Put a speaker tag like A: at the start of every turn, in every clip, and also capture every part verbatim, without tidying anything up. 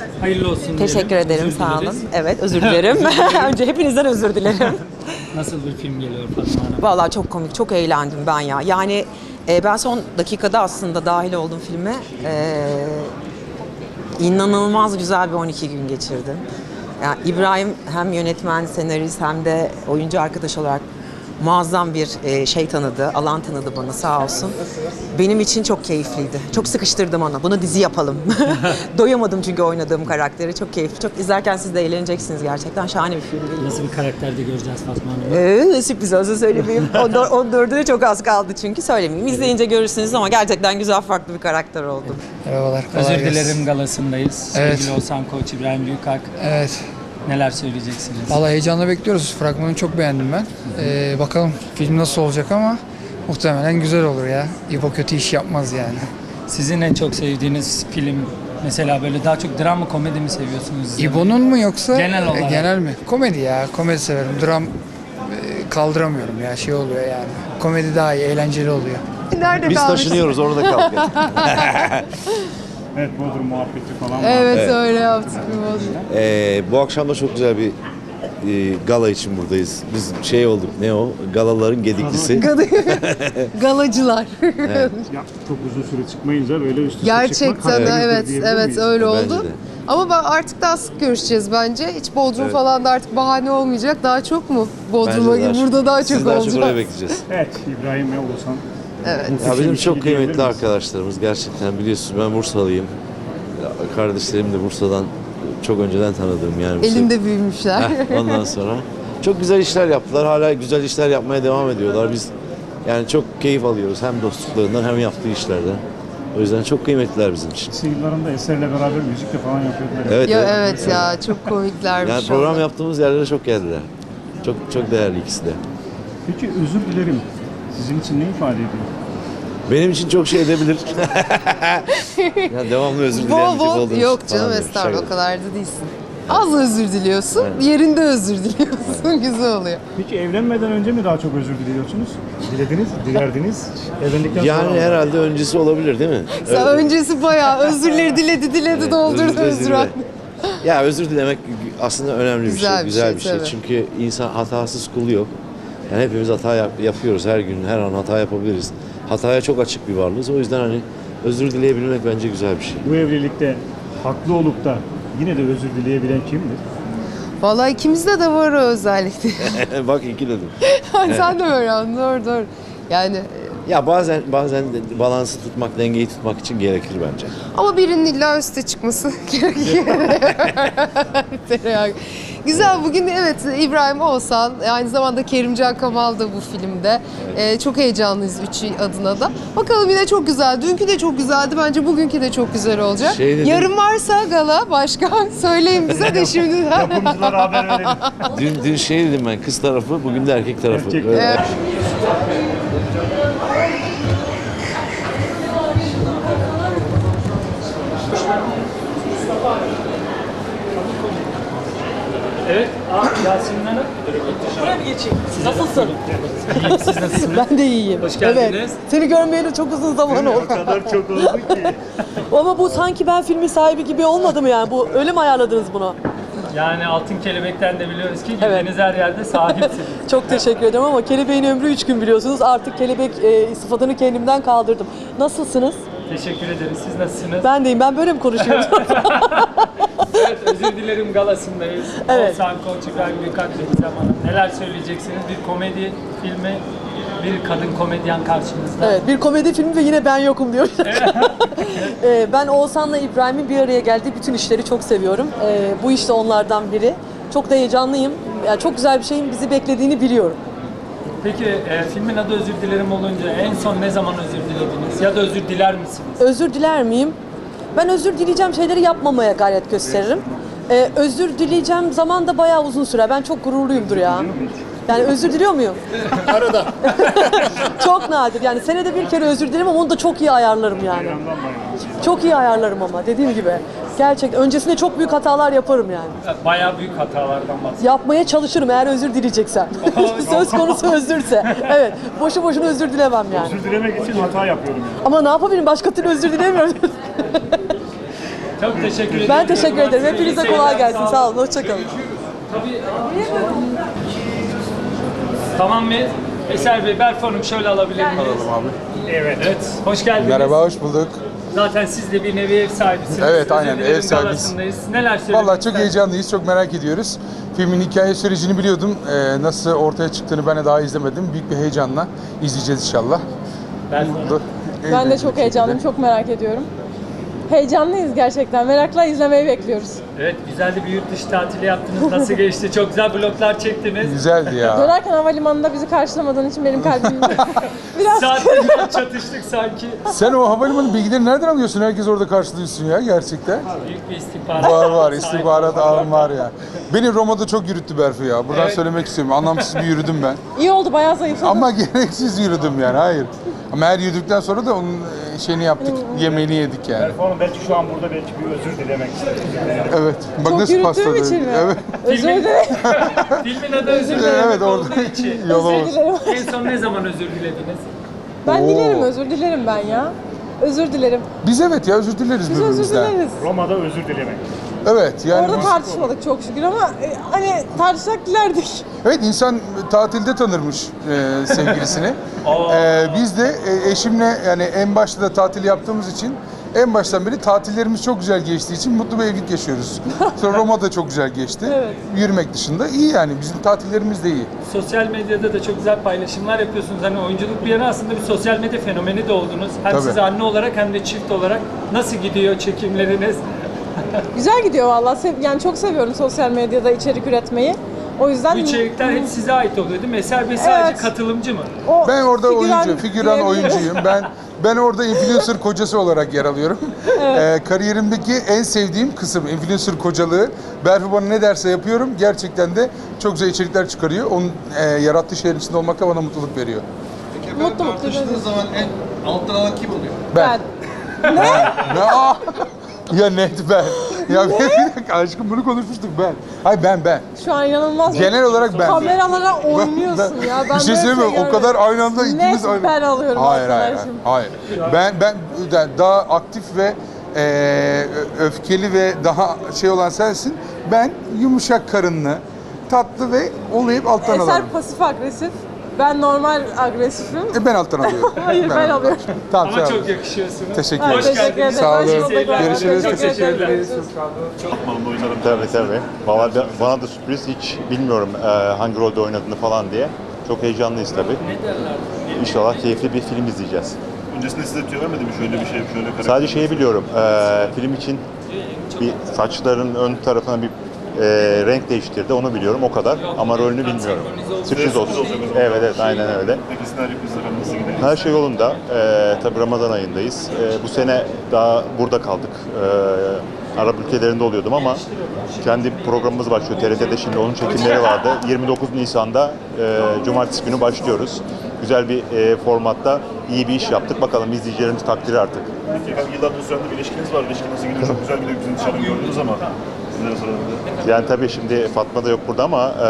A: Hayırlı olsun.
B: Teşekkür
A: diyelim.
B: ederim,
A: Özür
B: sağ olun.
A: dileriz.
B: Evet, özür dilerim. Önce hepinizden özür dilerim.
A: Nasıl bir film geliyor Fatma Hanım?
B: Vallahi çok komik, çok eğlendim ben ya. Yani e, ben son dakikada aslında dahil oldum filme. E, inanılmaz güzel bir on iki gün geçirdim. Yani İbrahim hem yönetmen, senarist hem de oyuncu arkadaş olarak muazzam bir e, şey tanıdı, alan tanıdı bana sağ olsun. Benim için çok keyifliydi. Çok sıkıştırdım ona. Bunu dizi yapalım. Doyamadım çünkü oynadığım karakteri. Çok keyifli. Çok izlerken siz de eğleneceksiniz gerçekten. Şahane bir film.
A: Nasıl bir karakterde göreceğiz Fatma Hanım'ı?
B: Ee, sürpriz olsa söylemeyeyim. on dördüne çok az kaldı çünkü söylemeyeyim. İzleyince görürsünüz ama gerçekten güzel farklı bir karakter oldum.
C: Merhabalar. kolay
A: Özür
C: gelsin.
A: dilerim galasındayız.
C: Evet.
A: Sevgili Oğuzhan Koç, İbrahim Büyükak.
C: Evet.
A: Neler söyleyeceksiniz?
C: Vallahi heyecanla bekliyoruz. Fragmanı çok beğendim ben. Ee, bakalım film nasıl olacak ama muhtemelen güzel olur ya. İbo kötü iş yapmaz yani.
A: Sizin en çok sevdiğiniz film mesela böyle daha çok dram mı komedi mi seviyorsunuz?
C: İbo'nun mu yoksa?
A: Genel olarak.
C: E, genel mi? Komedi ya. Komedi severim. Dram e, kaldıramıyorum ya. Şey oluyor yani. Komedi daha iyi. Eğlenceli oluyor.
B: Nerede
D: Biz taşınıyoruz orada kaldık.
E: Evet, Bodrum muhabbeti falan var.
F: Evet,
D: Evet.
F: öyle yaptık bir Bodrum.
D: Ee, bu akşam da çok güzel bir e, gala için buradayız. Biz şey olduk, ne o? Galaların gediklisi.
F: Galacılar.
E: Ya, çok uzun süre çıkmayınca böyle üst üste
F: Gerçekten
E: çıkmak
F: de
E: hayırlıdır
F: evet,
E: diyebilir
F: evet
E: miyiz?
F: öyle
D: Bence
F: oldu.
D: de.
F: Ama ben artık daha sık görüşeceğiz bence. Hiç Bodrum
D: Evet.
F: falan da artık bahane olmayacak. Daha çok mu? Bodrum'a
D: Bence
F: gibi burada daha çok
D: Siz daha çok oraya
F: olacak.
D: bekleyeceğiz.
E: Evet, İbrahim ve Oğuzhan.
F: Evet.
D: Ya bizim çok
E: İlişki diyebilir
D: kıymetli
E: miyiz?
D: arkadaşlarımız gerçekten, biliyorsunuz ben Bursalıyım. Ya, Kardeşlerim de Bursa'dan çok önceden tanıdığım yani.
F: Elinde büyümüşler.
D: Heh, ondan sonra çok güzel işler yaptılar. Hala güzel işler yapmaya devam ediyorlar. Biz yani çok keyif alıyoruz hem dostluklarından hem yaptığı işlerden. O yüzden çok kıymetliler bizim için.
E: Lise yıllarında Eser'le beraber müzik de falan yapıyorlar.
D: Evet.
F: Ya
D: evet.
F: evet ya çok komiklermiş.
D: Yani program
F: onlar.
D: yaptığımız yerlere çok geldiler. Çok çok değerli ikisi de.
E: Peki özür dilerim. Sizin için ne ifade ediyor?
D: Benim için çok şey edebilir. Ya devamlı özür dileyen
F: Bol
D: bir tip
F: bol
D: olduğum
F: yok
D: için
F: canım
D: falan diyorum.
F: estağfurullah o
D: Şaka.
F: kadar da değilsin. Az özür diliyorsun,
D: Evet.
F: yerinde özür diliyorsun. Güzel oluyor.
E: Peki evlenmeden önce mi daha çok özür diliyorsunuz? Dilediniz, dilerdiniz. Evlendikten sonra
D: Yani
E: mı?
D: herhalde öncesi olabilir değil mi?
F: Sen öncesi bayağı özürleri diledi diledi
D: Evet,
F: doldurdu
D: özür
F: özür
D: dile.
F: hakkı.
D: Ya özür dilemek aslında önemli bir
F: Güzel
D: şey,
F: bir
D: güzel
F: şey,
D: bir şey.
F: tabii.
D: Çünkü insan hatasız kulu yok. Yani hepimiz hata yap- yapıyoruz her gün, her an hata yapabiliriz. Hataya çok açık bir varlığız. O yüzden hani özür dileyebilmek bence güzel bir şey.
E: Bu evlilikte haklı olup da yine de özür dileyebilen kimdir?
F: Vallahi ikimizde de var o özellikle.
D: Bak iki dedim.
F: Sen de böyle anladın, doğru doğru. Yani
D: Ya bazen bazen de balansı tutmak, dengeyi tutmak için gerekir bence.
F: ama birinin illa üste çıkması gerekiyor. Tereyağı. Güzel bugün evet İbrahim Oğuzhan aynı zamanda Kerimcan Kamal da bu filmde. Ee, çok heyecanlıyız üçü adına da. Bakalım yine çok güzel. Dünkü de çok güzeldi. Bence bugünkü de çok güzel olacak.
D: Şey dedim-
F: Yarın varsa gala başka söyleyin bize de şimdi.
E: Yapımcılara haber verelim.
D: Dün, dün şey dedim ben, kız tarafı, bugün de erkek tarafı.
E: Erkek.
D: Böyle-
F: Evet.
A: Evet. Aa, Yasemin Hanım.
B: Buraya mı geçeyim? Nasılsın?
A: İyiyim, siz nasılsınız?
B: Ben de iyiyim.
A: Hoş geldiniz.
B: Evet. Seni görmeyeli çok uzun zaman oldu.
E: O kadar çok oldu ki.
G: Ama bu sanki ben filmin sahibi gibi olmadı mı yani? Bu öyle mi ayarladınız bunu?
A: Yani Altın Kelebek'ten de biliyoruz ki
G: Evet.
A: gittiğiniz her yerde sahipsiniz.
G: Çok teşekkür ederim ama kelebeğin ömrü üç gün biliyorsunuz. Artık kelebek e, sıfatını kendimden kaldırdım. Nasılsınız?
A: Teşekkür ederiz. Siz nasılsınız?
G: Ben deyim. Ben böyle mi konuşuyorum?
A: Evet, özür dilerim galasındayız.
G: Evet.
A: Oğuzhan Koç, İbrahim Büyükak ve Gizem Hanım. Neler söyleyeceksiniz? Bir komedi filmi, bir kadın komedyen karşımızda.
G: Evet, bir komedi filmi ve yine ben yokum diyor. E, ben Oğuzhan'la İbrahim'in bir araya geldiği bütün işleri çok seviyorum. E, bu iş de onlardan biri. Çok da heyecanlıyım. Yani çok güzel bir şeyin bizi beklediğini biliyorum.
A: Peki e, filmin adı Özür Dilerim olunca en son ne zaman özür dilediniz? Ya da özür diler misiniz?
G: Özür diler miyim? Ben özür dileyeceğim şeyleri yapmamaya gayret gösteririm. Ee, özür dileyeceğim zaman da bayağı uzun sürer. Ben çok gururluyumdur ya. Yani özür diliyor muyum? Arada. Çok nadir. Yani senede bir kere özür dilerim ama onu da çok iyi ayarlarım yani. Çok iyi ayarlarım ama dediğim gibi. Gerçekten öncesinde çok büyük hatalar yaparım yani.
A: Bayağı büyük hatalardan bahsediyoruz.
G: Yapmaya çalışırım eğer özür dileyeceksem. Söz konusu özürse. Evet. Boşu boşuna özür dilemem yani.
E: Özür dilemek için hata yapıyorum. Yani.
G: Ama ne yapabilirim? Başka türlü özür dilemiyorum.
A: Çok teşekkür ederim.
G: Ben teşekkür ederim. Hepinize
A: İyi
G: kolay
A: seyirler,
G: gelsin. Sağ olun. Hoşçakalın.
A: Tabii. Tamam mı? Eser Bey, Berfu Hanım şöyle alabilir miyiz?
H: Alalım abi.
A: Evet. Evet. Hoş geldiniz.
H: Merhaba, hoş bulduk.
A: Zaten siz de bir nevi ev sahibisiniz.
H: Evet, aynen,
A: Ödüllerin
H: ev sahibiyiz.
A: galasındayız. Neler söylemek
H: Vallahi çok
A: istersiniz?
H: heyecanlıyız, çok merak ediyoruz. Filmin hikaye sürecini biliyordum. Ee, nasıl ortaya çıktığını ben de daha izlemedim. Büyük bir heyecanla izleyeceğiz inşallah.
A: Berfu Hanım.
H: Mutlu,
I: Ben de
H: eğlenceli
I: çok
H: bir
I: heyecanlıyım,
H: şekilde.
I: çok merak ediyorum. Heyecanlıyız gerçekten. Merakla izlemeyi bekliyoruz.
A: Evet, güzel de bir yurt dışı tatili yaptınız. Nasıl geçti? Çok güzel vloglar çektiniz.
H: Güzeldi ya.
I: Dönerken havalimanında bizi karşılamadığın için benim kalbim biraz
A: Saatlerden çatıştık sanki.
H: Sen o havalimanı bilgileri nereden alıyorsun? Herkes orada karşılıyorsun ya gerçekten.
A: Büyük bir istihbarat.
H: Var var,
A: Sahip
H: istihbarat
A: olduk.
H: ağım var ya. Beni Roma'da çok yürüttü Berfu ya. Buradan
A: Evet.
H: söylemek istiyorum. Anlamsız bir yürüdüm ben.
I: iyi oldu, bayağı zayıfladım.
H: Ama gereksiz yürüdüm yani, hayır. Ama her yürüdükten sonra da onun e, şeyini yaptık, yemeğini yedik yani.
E: Berfu Hanım belki şu an burada belki bir özür dilemek istedim.
H: Evet, bak
I: Çok
H: nasıl
I: yürüttüğüm
H: pasladı.
I: için mi?
H: Evet.
I: Özür
A: Filmin-
I: dilerim.
A: Filmin adı özür dilemek
H: Evet, orada
A: olduğu için.
H: yol
I: Özür
H: olsun.
I: dilerim.
A: En son ne zaman özür dilediniz?
I: Ben
H: Oo.
I: dilerim, özür dilerim ben ya. Özür dilerim.
H: Biz evet ya özür dileriz
I: Biz özür
H: birbirimizden.
I: dileriz.
E: Roma'da özür dilemek.
H: Evet yani
I: Orada
H: biz-
I: tartışmadık çok şükür ama e, hani tartışsak dilerdik.
H: evet insan tatilde tanırmış e, sevgilisini. E, biz de e, eşimle yani en başta da tatil yaptığımız için en baştan beri tatillerimiz çok güzel geçtiği için mutlu bir evlilik yaşıyoruz. Sonra Roma'da çok güzel geçti.
I: Evet.
H: Yürümek dışında iyi yani bizim tatillerimiz de iyi.
A: Sosyal medyada da çok güzel paylaşımlar yapıyorsunuz. Hani oyunculuk bir yana aslında bir sosyal medya fenomeni de oldunuz. Hem
H: Tabii.
A: siz anne olarak hem de çift olarak. Nasıl gidiyor çekimleriniz?
I: Güzel gidiyor vallahi. Sev- yani çok seviyorum sosyal medyada içerik üretmeyi. O yüzden
A: Bu içerikler hep size ait oluyor değil mi? Eser Bey sadece
I: Evet.
A: katılımcı mı?
I: o
H: Ben orada
I: figüran
H: oyuncu, figüran
I: diyebilirim.
H: oyuncuyum. Ben ben orada influencer kocası olarak yer alıyorum. Ee, kariyerimdeki en sevdiğim kısım influencer kocalığı. Berfu bana ne derse yapıyorum. Gerçekten de çok güzel içerikler çıkarıyor. Onun e, yarattığı şeylerin içinde olmak da bana mutluluk veriyor.
I: Mutlu mutlu.
J: Tartıştığınız zaman en alttan alan kim oluyor?
H: Ben.
I: Ben.
H: Ne? Aa! Ya net ben. Ya bir dakika aşkım bunu konuşmuştuk ben. Hayır ben ben.
I: Şu an inanılmaz.
H: Genel olarak ben.
I: Kameralara oynuyorsun
H: Ben-
I: ya. Ben
H: bir şey
I: böyle
H: söyleyeyim mi? O
I: görmedim.
H: kadar aynı anda ikimiz
I: Net
H: aynı.
I: ben alıyorum
H: hayır, hayır,
I: arkadaşım.
H: hayır, hayır. Ben ben ben daha aktif ve e, öfkeli ve daha şey olan sensin. Ben yumuşak karınlı, tatlı ve olayıp alttan
I: Eser
H: alırım.
I: pasif agresif. Ben normal agresifim.
H: E, ben alttan alıyorum.
I: Hayır, ben alıyorum.
H: Tamam,
A: Ama
H: sağ
A: çok
H: olun.
A: yakışıyorsunuz.
H: Teşekkür
I: Ha,
H: ederim.
A: Hoş
I: teşekkür
A: geldiniz.
I: ederim.
H: Sağ
I: Hoş
H: olun.
I: bulduk.
H: Görüşürüz.
I: Çok
H: Teşekkür ederiz.
K: Tabii tabii. Valla ben- bana da sürpriz, hiç bilmiyorum e, hangi rolde oynadığını falan diye. Çok heyecanlıyız tabii. İnşallah keyifli bir film izleyeceğiz.
E: Öncesinde size tüyo vermedi mi? Şöyle bir şey, şöyle karakter.
K: Sadece şeyi biliyorum, e, film için bir saçların ön tarafına bir e, renk değiştirdi, onu biliyorum o kadar. Ama rolünü bilmiyorum. Sürpriz olsun. Evet evet, aynen öyle.
E: Peki senaryo kızlara nasıl gidiyor?
K: Her şey yolunda. Ee, tabii Ramazan ayındayız. Ee, bu sene daha burada kaldık. Ee, Arap ülkelerinde oluyordum ama kendi programımız başlıyor. T R T'de şimdi onun çekimleri vardı. yirmi dokuz Nisan'da e, Cumartesi günü başlıyoruz. Güzel bir e, formatta iyi bir iş yaptık. Bakalım izleyicilerimiz takdiri artık.
E: Peki efendim yıllardır süren bir ilişkiniz var. İlişki nasıl gidiyor? Çok güzel gidiyor. Bizim dışarıdan gördünüz ama sizlere soralım.
K: Yani tabii şimdi Fatma da yok burada ama e,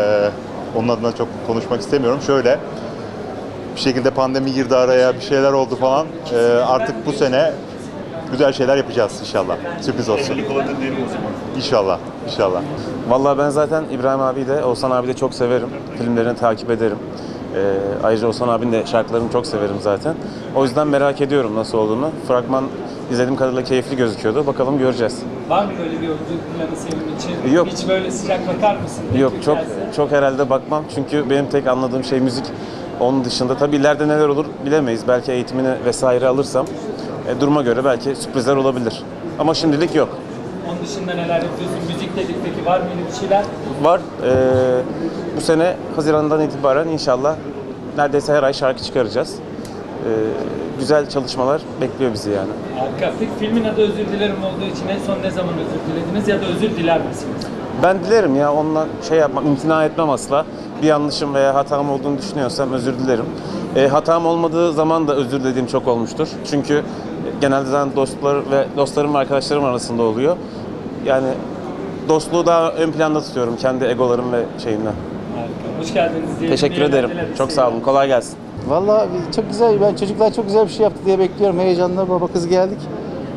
K: onun adına çok konuşmak istemiyorum. Şöyle, bir şekilde pandemi girdi araya, bir şeyler oldu falan. E, artık bu sene güzel şeyler yapacağız inşallah. Sürpriz olsun.
E: Evlilik olabilir diyelim o zaman.
K: İnşallah, inşallah.
L: Vallahi ben zaten İbrahim abi de, Oğuzhan abi de çok severim. Filmlerini takip ederim. Ee, ayrıca Oğuzhan abinin de şarkılarını çok severim zaten. O yüzden merak ediyorum nasıl olduğunu. Fragman izlediğim kadarıyla keyifli gözüküyordu. Bakalım göreceğiz.
A: Var mı böyle bir oyunculuk planı senin için?
L: Yok.
A: Hiç böyle sıcak bakar mısın?
L: Yok,
A: Teklif
L: çok
A: gelse?
L: çok herhalde bakmam. Çünkü benim tek anladığım şey müzik. Onun dışında tabii ileride neler olur bilemeyiz. Belki eğitimini vesaire alırsam e, duruma göre belki sürprizler olabilir. Ama şimdilik yok.
A: Onun dışında neler yapıyorsun? Müzik dedik peki, var mı öyle bir şeyler?
L: Var. Ee, bu sene Haziran'dan itibaren inşallah neredeyse her ay şarkı çıkaracağız. Ee, güzel çalışmalar bekliyor bizi yani.
A: Harika. Peki filmin adı Özür Dilerim olduğu için en son ne zaman özür dilediniz ya da özür diler misiniz?
L: Ben dilerim ya, onunla şey yapmak, imtina etmem asla. Bir yanlışım veya hatam olduğunu düşünüyorsam özür dilerim. E, hatam olmadığı zaman da özür dilediğim çok olmuştur. Çünkü genelde zaten dostlar ve dostlarım ve arkadaşlarım arasında oluyor. Yani dostluğu daha ön planda tutuyorum kendi egolarım ve şeyimden.
A: Harika. Hoş geldiniz diye.
L: Teşekkür ederim. Çok sağ olun. Kolay gelsin.
J: Vallahi çok güzel, ben çocuklar çok güzel bir şey yaptı diye bekliyorum. Heyecanla baba kız geldik.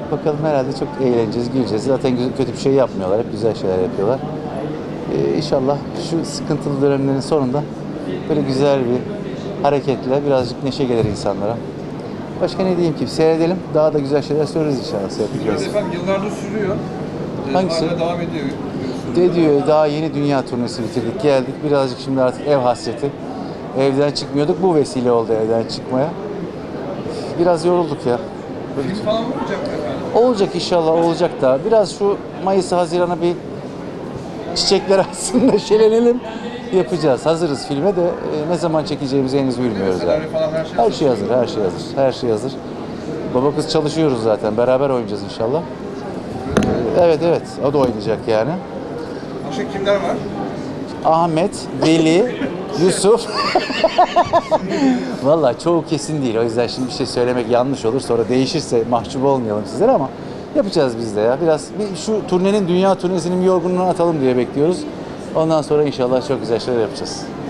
M: Bakalım herhalde çok eğleneceğiz, güleceğiz. Zaten güzel- kötü bir şey yapmıyorlar. Hep güzel şeyler yapıyorlar. Ee, inşallah şu sıkıntılı dönemlerin sonunda böyle güzel bir hareketle birazcık neşe gelir insanlara. Başka ne diyeyim ki? Seyredelim. Daha da güzel şeyler söyleriz inşallah. Seyredeceğiz.
J: Efendim yıllardır sürüyor. Ee,
M: Hangisi?
J: Hala devam ediyor.
M: De diyor daha yeni dünya turnesi bitirdik. Geldik birazcık şimdi artık ev hasreti. Evden çıkmıyorduk. Bu vesile oldu evden çıkmaya. Biraz yorulduk ya.
J: Film falan olacak mı efendim?
M: Olacak inşallah olacak da. Biraz şu Mayıs'ı Haziran'a bir çiçekler aslında şelenelim. Yapacağız. Hazırız filme de e, ne zaman çekeceğimizi henüz bilmiyoruz. Yani.
J: Senaryo falan her şey
M: Her şey hazır, her şey hazır. Her şey hazır. Baba kız çalışıyoruz zaten. Beraber oynayacağız inşallah. Evet evet. O da oynayacak yani.
J: Başka kimler var?
M: Ahmet, Veli, Yusuf. Vallahi çoğu kesin değil. O yüzden şimdi bir şey söylemek yanlış olur. Sonra değişirse mahcup olmayalım sizlere ama yapacağız biz de ya. Biraz bir şu turnenin, dünya turnesinin bir yorgunluğunu atalım diye bekliyoruz. Ondan sonra inşallah çok güzel şeyler yapacağız.